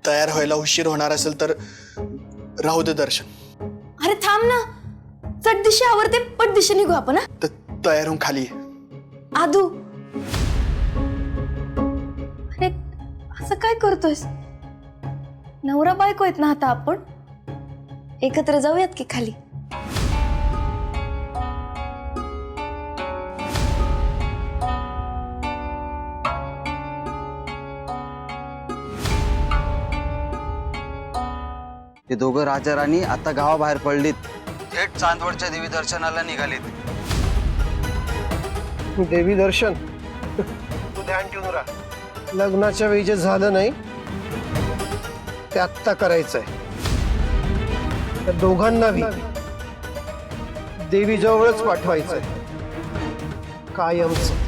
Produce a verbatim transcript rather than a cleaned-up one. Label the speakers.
Speaker 1: तयार व्हायला उशीर होणार असेल तर राहू दे दर्शन.
Speaker 2: अरे थांब ना, चट दिशे आवरते पट दिशे निघू आपण. हा
Speaker 1: तर तयार होऊन खाली ये.
Speaker 2: आदू, अरे असं काय करतोयस? नवरा बायको आहेत ना आता आपण, एकत्र जाऊयात की खाली.
Speaker 3: ते दोघं राजा राणी आता गावाबाहेर पडलीत. थेट चांदवडच्या देवी दर्शनाला निघालीत.
Speaker 4: देवी दर्शन तू ध्यान ठेवून राहा. लग्नाच्या वेळी जे झालं नाही ते आत्ता करायचंय. त्या दोघांनाही देवी जवळच पाठवायचंय कायमच.